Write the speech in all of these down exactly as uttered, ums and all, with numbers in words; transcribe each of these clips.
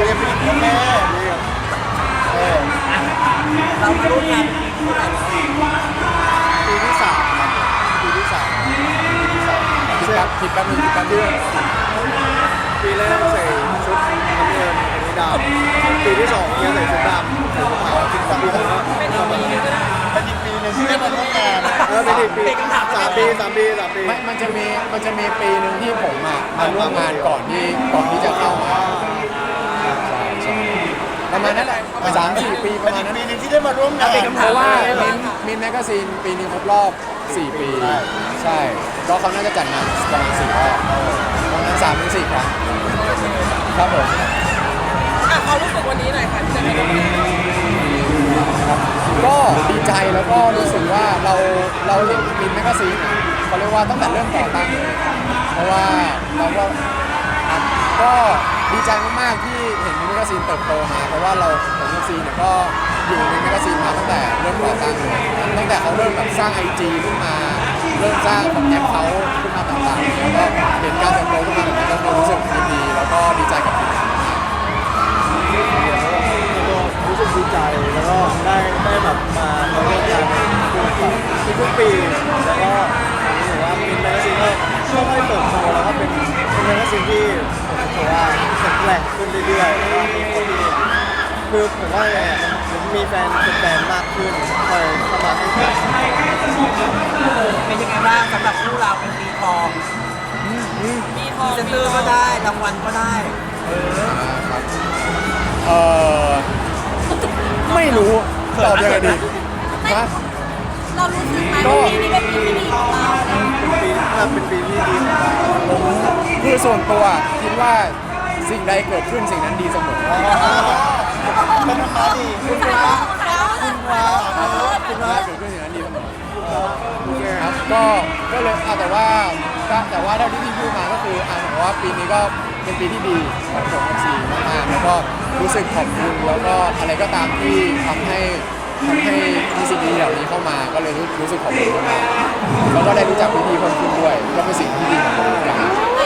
เรียนเป็นพ่อแม่เออเรามาร่วมงานปีที่สามปีที่สามปีที่สามคิดแป๊บคิดแป๊บนึงคิดแป๊บนึงปีแรกใส่ชุดน้ำเงินอันนี้ดำปีที่สองเนี่ยใส่ชุดดำใส่ชุดขาวชุดดำเป็นปีนึงก็ได้เป็นอีกปีนึงที่ได้มาร่วมงานเออเป็นอีกปีสามปีสามปีสามปีไม่มันจะมีมันจะมีปีหนึ่งที่ผมอ่ะมาร่วมงานก่อนที่ก่อนที่จะเข้ามาใช่ใช่ประมาณนั้นแหละสามสี่ปีประมาณนั้นปีนึงที่ได้มาร่วมงานเพราะว่ามินมินแมกกาซีนปีนี้ครบรอบสี่ปีใช่ก็เขาน่าจะจัดงานประมาณสี่รอบประมาณสามถึงสี่ครั้งครับผมเขารู้สึกวันนี้หน่อยค่ะที่จะได้ร่วมงานก็ดีใจแล้วก็รู้สึกว่าเราเราเห็นมินแมกกาซีนเขาเรียกว่าตั้งแต่เริ่มก่อตั้งเลยเพราะว่าเราก็ก็ดีใจมากๆที่เห็นมินแมกกาซีนเติบโตมาเพราะว่าเราผมกับซีเนี่ยก็อยู่ในแมกกาซีนมาตั้งแต่เริ่มก่อตั้งเลยตั้งแต่เขาเริ่มแบบสร้าง ไอ จี ขึ้นมาเริ่มสร้างแบบแอปเขาขึ้นมาต่างๆแล้วก็เห็นการเติบโตขึ้นมาแบบนี้ก็รู้สึกดีแล้วก็ดีใจกับทีมงานรู้สึกดีใจแล้วก็ได้ได้แบบมาทำงานทุกปีแล้วก็รู้สึกว่าเป็นแมกกาซีนก็ค่อยๆเติบโตแล้วก็เป็นเป็นแมกกาซีนที่ผมรู้สึกว่าแข็งแกร่งขึ้นเรื่อยๆแล้วก็มีคนที่คือผมว่าผมมีแฟนเป็นแฟนมากขึ้นคอยเข้ามาให้การเป็นยังไงบ้างสำหรับคู่เราเป็นปีทองปีทองเซนเตอร์ก็ได้รางวัลก็ได้เออเออไม่รู้ตอบยังไงดีฮะเรารู้สึกไหมว่าปีนี้เป็นปีที่ดีของเราเป็นปีถ้าเป็นปีที่ดีของเราผมคือส่วนตัวคิดว่าสิ่งใดเกิดขึ้นสิ่งนั้นดีเสมอเป็นธรรมะดีคุณพระคุณพระคุณพระเกิดขึ้นสิ่งนั้นดีเสมอครับก็ก็เลยแต่ว่าแต่ว่าเท่าที่พี่พูดมาก็คืออ่านว่าปีนี้ก็เป็นปีที่ดีของผมกับซีมากๆแล้วก็รู้สึกขอบคุณแล้วก็อะไรก็ตามที่ทำให้ทำให้มีสิ่งดีเหล่านี้เข้ามาก็เลยรู้สึกขอบคุณมากแล้วก็ได้รู้จักพี่ๆเพิ่มขึ้นด้วยก็เป็นสิ่งที่ดีของผมเหมือนกัน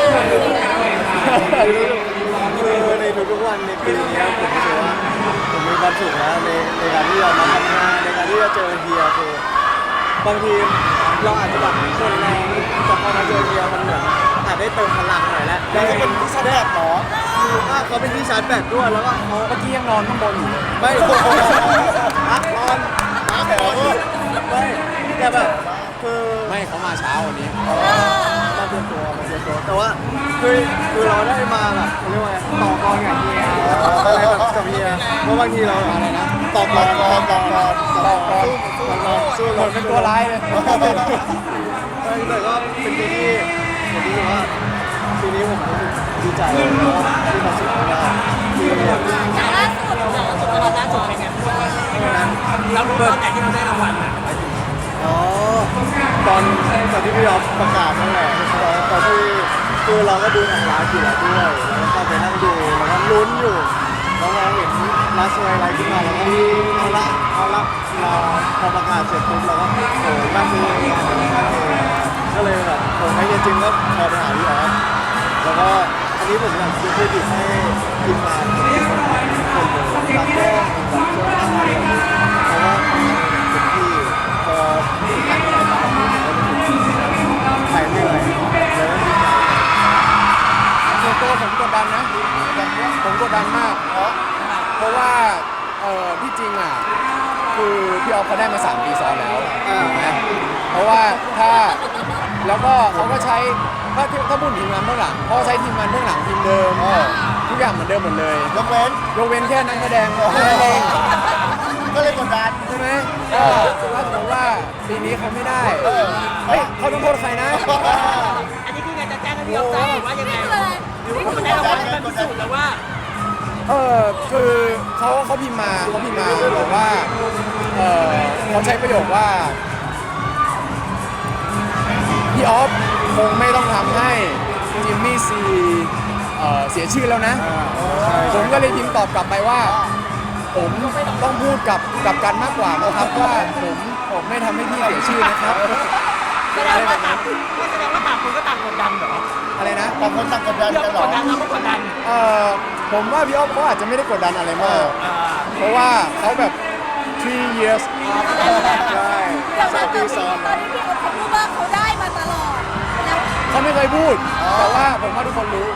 คือในทุกๆวันในปีนี้ผมรู้สึกว่าผมมีความสุขนะในในการที่เรามาทำงานในการที่เราเจอเฮียคือบางทีเราอาจจะแบบคนแรงแต่พอมาเจอเฮียมันเหมือนอาจได้เติมพลังหน่อยแล้วได้เป็นที่ชาร์จแบตหรอคือว่าเขาเป็นที่ชาร์จแบตด้วยแล้วก็เขาเมื่อกี้ยังนอนข้างบนอยู่ไม่นอนนอนมาแถวไม่แต่แบบคือไม่เขามาเช้าวันนี้มาเตรียมตัวมาเตรียมตัวแต่ว่าคือคือเราได้มาแบบเขาเรียกว่าไงต่อกรกับเฮียอะไรแบบกับเฮียเพราะบางทีเราอะไรนะต่อกรต่อกรต่อกรต่อกรสู้เหมือนเป็นตัวร้ายเลยแต่ก็เป็นปีที่ผมรู้สึกว่าปีนี้ผมรู้สึกดีใจแล้วก็มีความสุขมากที่อย่างล่าสุดอย่างล่าสุดตอนล่าสุดเป็นไงเรารู้ตอนไหนที่เราได้รางวัลอ่ะอ๋อตอนตอนที่พี่ยอฟประกาศนั่นแหละตอนที่คือเราก็ดูหนังร้านอยู่แล้วด้วยแล้วก็ไปนั่งดูแล้วก็ลุ้นอยู่แล้วเราเห็นลาสเวย์อะไรขึ้นมาแล้วก็เอาละเอาละเราพอประกาศเสร็จปุ๊บเราก็โอ้นั่งดูก็เลยแบบผมให้จริงก็พอไปหาพี่ออฟแล้วก็อันนี้ผมอยากจะเครดิตให้ทีมงานคนเลยตากล้องแบบเจ้าหน้าที่เพราะว่าทำงานเต็มที่พอถ่ายไปมาถ่ายเหนื่อยแล้วก็ดีใจส่วนตัวผมกดดันนะผมกดดันมากเพราะว่าเออที่จริงอ่ะคือพี่ออฟเขาได้มาสามปีซ้อนแล้วถูกไหมเพราะว่าถ้าแล้วก็เขาก็ใช้ถ้าถ้าพูดทีมงานเบื้องหลังเขาใช้ทีมงานเบื้องหลังทีมเดิมทุกอย่างเหมือนเดิมหมดเลยยกเว้นยกเว้นแค่นักแสดงแค่นั้นเองก็เลยกดดันใช่ไหมก็ถ้าสมมติว่าปีนี้เขาไม่ได้เฮ้ยเขาต้องโทษใครนะอันนี้คืองานจะแจ้งให้พี่ออฟทราบว่ายังไงหรือว่าคุณได้รางวัลมันพิสูจน์แล้วว่าเออคือเขาเขาพิมพ์มาเขาพิมพ์มาบอกว่าเออเขาใช้ประโยคว่าพี่ออฟคงไม่ต้องทำให้จิมมี่ซีเสียชื่อแล้วนะผมก็เลยพิมพ์ตอบกลับไปว่าผมต้องพูดกับกับกันมากกว่านะครับว่าผมผมไม่ทำให้พี่เสียชื่อนะครับแสดงว่าต่างไม่แสดงว่าต่างคนก็ต่างกดดันเหรออะไรนะต่างคนต่างกดดันพี่กันเหรกอดดันเราก็กดดันเอ่อผมว่าพี่อ๊อฟเขาอาจจะไม่ได้กดดันอะไรมากอ่าเพราะว่าเขาแบบ three years ใช่แต่สาว่าม ตปีอนซ้อนนี้พี่เขาพูดว่าเขาได้มาตลอดแล้วเขาไม่เคยพูด แต่ว่าผมว่าทุกคนรู้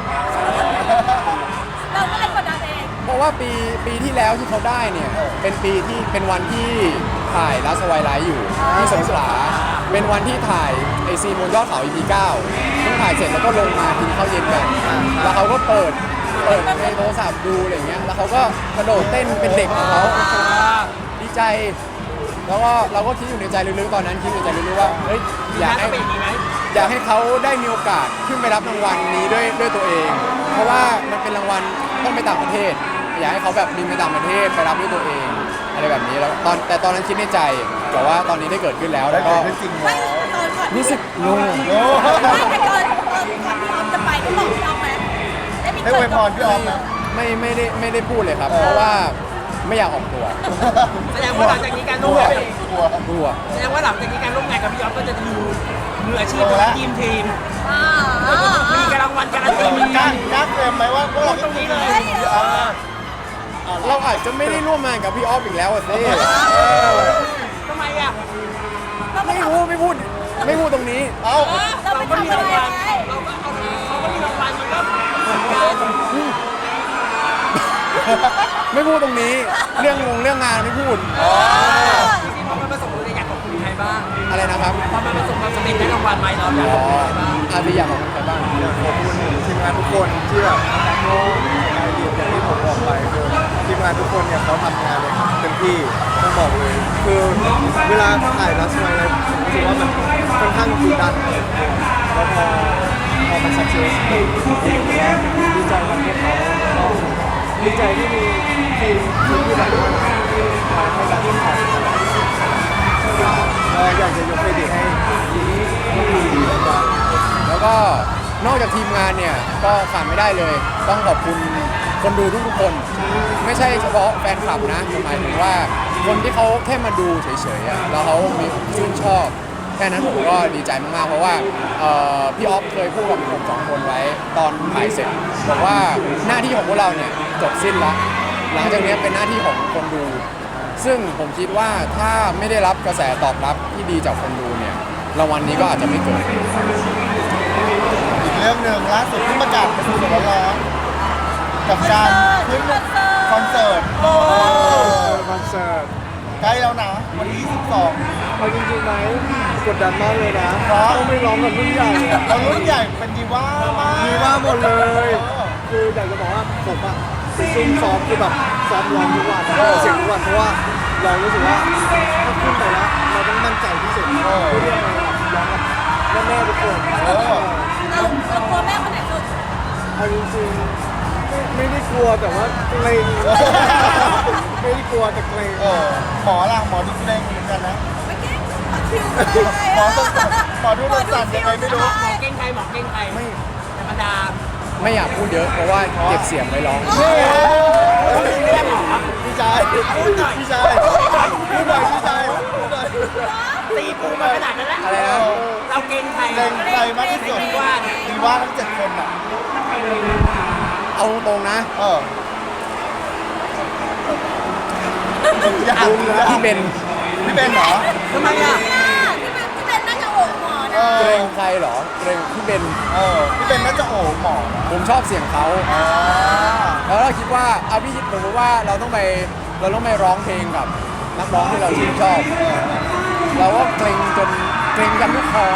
เราก็เลยกดดันเองเพราะว่าปีปีที่แล้วที่เขาได้เนี่ย เป็นปีที่เป็นวันที่ถ่ายลัสไวไลท์อยู่ที่สงขลาเป็นวันที่ถ่ายไอซีนบนยอดเขา อี พี เก้าเพิ่งถ่ายเสร็จแล้วก็ลงมากินข้าวเย็นกัน แล้วเขาก็เปิดเปิดในโทรศัพท์ดูอะไรเงี้ยแล้วเขาก็กระโดดเต้นเป็นเด็กของเขาดีใจ แล้วก็เราก็คิดอยู่ในใจลึกๆตอนนั้นคิดอยู่ในใจลึกๆว่าเฮ้ยอยากน่าให้จะเป็นอย่างนี้ไหมอยากให้เขาได้มีโอกาสขึ้นไปรับรางวัลนี้ด้วยด้วยตัวเอง เพราะว่ามันเป็นรางวัลต้องไปต่างประเทศ อยากให้เขาแบบบินไปต่างประเทศไปรับด้วยตัวเองอะไรแบบนี้แล้วตอนแต่ตอนนั้นคิดในใจแต่ว่าตอนนี้ได้เกิดขึ้นแล้วได้แล้วเกิก็ดขึ้นจริงไม่แล้วตอนก่อนรู้สึกโล่งโอ้ไม่แต่ก่อนตอนก่อนพี่ออฟจะไปได้บอกพี่ออฟไหมได้มีได้เกิอวดยพรพี่ออฟนะไม่ไม่ได้ไม่ได้พูดเลยครับ เพราะว่าไม่อยากออกตัวแสดงว่าหลังจากนี้การร่วมงานกลัวกลัวแสดงว่าหลังจากนี้การร่วมงานกับพี่ออฟก็จะดูมืออาชีพของทีมทีมอ่ามีการรางวัลการันตีเหมือนกกัล้าน กล้าเตรียมไหมว่าพวกเราตรงนี้เลยพี่ออฟเราอาจจะไม่ได้ร่วมงานกับพี่ออฟอีกแล้วอะสิทำไมอ่ะไม่รู้ไม่พูดไม่พูดตรงนี้เอ้าเราไปทำอะไรไงเราก็เอาเขาก็มีรางวัลมันก็ไม่พูดตรงนี้ เรื่องงงเรื่องงานไม่พูดจริงๆพอมันประสบความสำเร็จอยากขอบคุณใครบ้างอะไรนะครับพอมันประสบความสำเร็จได้รางวัลไหมเราอยากอ๋ขออบคุณใครบ้างอาพี่อยากขอบคุณใครบ้างอยากขอบคุณทีมงานทุกคนที่แบบเขาในอดีตอย่างที่ผมบอกไปคือทีมงานทุกคนเนี่ยเขาทำงานเลยเต็มที่ต้องบอกเลย คือเวลาถ่ายลัสไวอะไรผมรู้สึกว่ามันค่อนข้างกดดันแล้วพอพอมันสักเซสดีใจกับพวกเขาแล้วก็ดีใจที่มีทีมทีมที่แบบมาให้การที่ถ่ายก็อยากจะยกเครดิตให้ทีมที่ดีแล้วก็แล้วก็นอกจากทีมงานเนี่ยก็ขาดไม่ได้เลย ต้องขอบคุณคนดูทุกๆคน ไม่ใช่เฉพาะแฟนคลับนะหมายถึงว่าคนที่เขาแค่มาดูเฉยๆอะแล้วเขามีชื่นชอบแค่นั้นผมก็ดีใจมากๆเพราะว่าเอ่อพี่ออฟเคยพูดกับผมสองคนไว้ตอนถ่ายเสร็จบอกว่าหน้าที่ของพวกเราเนี่ยจบสิ้นแล้วหลังจากนี้เป็นหน้าที่ของคนดู ซึ่งผมคิดว่าถ้าไม่ได้รับกระแสตอบรับที่ดีจากคนดูเนี่ยรางวัลนี้ก็อาจจะไม่เกิดอีกเรื่องหนึ่งล่าสุดที่ประกาศเป็นสดร้อนๆกับการขึ้นคอนเสิร์ตคอนเสิร์ตใกล้แล้วนะวันที่ยี่สิบสองเอาจริงๆไหมกดดันมากเลยนะเพราะต้องไม่ร้องกับรุ่นใหญ่อะเรารุ่นใหญ่เป็นดีว่ามากมีว่าหมดเลย คืออยากจะบอกว่าผมอะไปซุ่มซ้อมคือแบบซ้อมร้องทุกวันนะเสียงทุกวันเพราะว่าเรารู้สึกว่าถ้าขึ้นไปแล้วเราต้องมั่นใจที่สุดเพื่อที่จะร้องกับแม่ๆทุกคนเออเราเรากลัวแม่คนไหนสุดเอาจริงๆไม่ไม่ได้กลัวแต่ว่าเกรงไม่ได้กลัวแต่เกรงเออหมอล่ะหมอดูเด้งเหมือนกันนะไม่เก่งคิวหมอต้องหมอดูต้องสั่นยังไงไม่รู้หมอเก่งใครหมอเก่งใครไม่ธรรมดาไม่อยากพูดเยอะเพราะว่าเก็บเสียงไว้ร้องเฮ้ยไม่ได้หมอพี่ชายพี่ชายพูดหน่อยพี่ชายพูดหน่อยตีปูมาขนาดนั้นแล้วอะไรนะเราเก่งใครเก่งใครมากที่สุดดีว่าดีว่าทั้งเจ็ดคนอ่ะเอาตรงๆนะเอออยากรู้นะพี่เบนพี่เบนเหรอทำไมอ่ะที่เป็นที่เป็นนั่งกับโอ่งหมอเอนะเกรองใครเหรอเกรงพี่เบนเออพี่เบนน่าจะโอ้หมอนะผมชอบเสียงเขาอ่าแล้วเราคิดว่าเอาพี่คิดผมว่าเราต้องไปเราต้องไปร้องเพลงกับนักร้องที่เราชื่นชอบ เราก็เกรงจนเกรงกันทุกคอ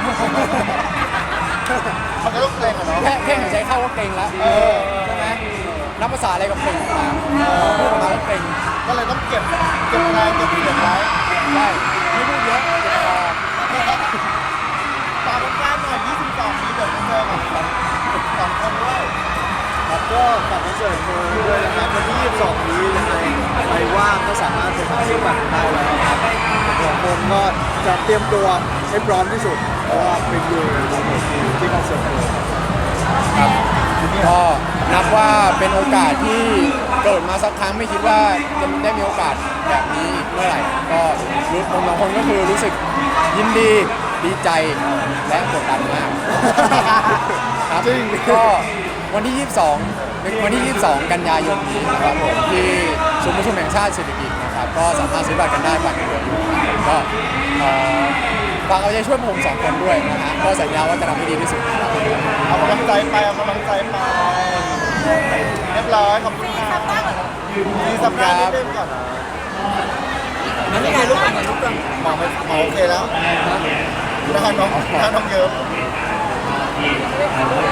มันก็ต้องเกรงอะเนาะแค่แค่หายใจเข้าก็เกรงแล้วเออใช่ไหมนับภาษาอะไรกับเกรงมาพูดออกมาก็เกรงก็เลยต้องเก็บเก็บแรงเก็บเสียงไว้ได้ไม่พูดเยอะเจ็บคอตามกานหน่อยยี่สิบสองนี้เดี๋ยวจะเจอกับสองคนด้วยครับก็ฝากคอนเสิร์ตด้วยนะครับวันที่ยี่สิบสองนี้ยังไงใครว่างก็สามารถไปหาซื้อบัตรได้แล้วครับผมผมก็จะเตรียมตัวให้พร้อมที่สุดเพราะว่าเป็นอยู่ที่คอนเสิร์ตเลยครับก็นับว่าเป็นโอกาสที่เกิดมาสักครั้งไม่คิดว่าจะได้มีโอกาสแบบนี้เมื่อไหร่ก็รู้ผมบางคนก็คือรู้สึกยินดีดีใจและกดดันมากครับจริงก็วันที่ ยี่สิบสองเป็นวันที่ ยี่สิบสอง กันยายนนี้นะครับผมที่ศูนย์ประชุมแห่งชาติเศรษฐกิจนะครับก็สามารถซื้อบัตรกันได้บัตรยังเหลืออยู่นะครับก็เอ่อฝากเอาใจช่วยพวกผมสองคนด้วยนะฮะก็สัญญาว่าจะทำให้ดีที่สุดครับเอากำลังใจไปเอากำลังใจไปเรียบร้อยขอบคุณค่ะมีสัปดาห์นิดนึงก่อนนะมันไม่ไงลูกกันลูกกันหมอไม่หมอโอเคแล้วถ้าน้องถ้าน้องเยอะ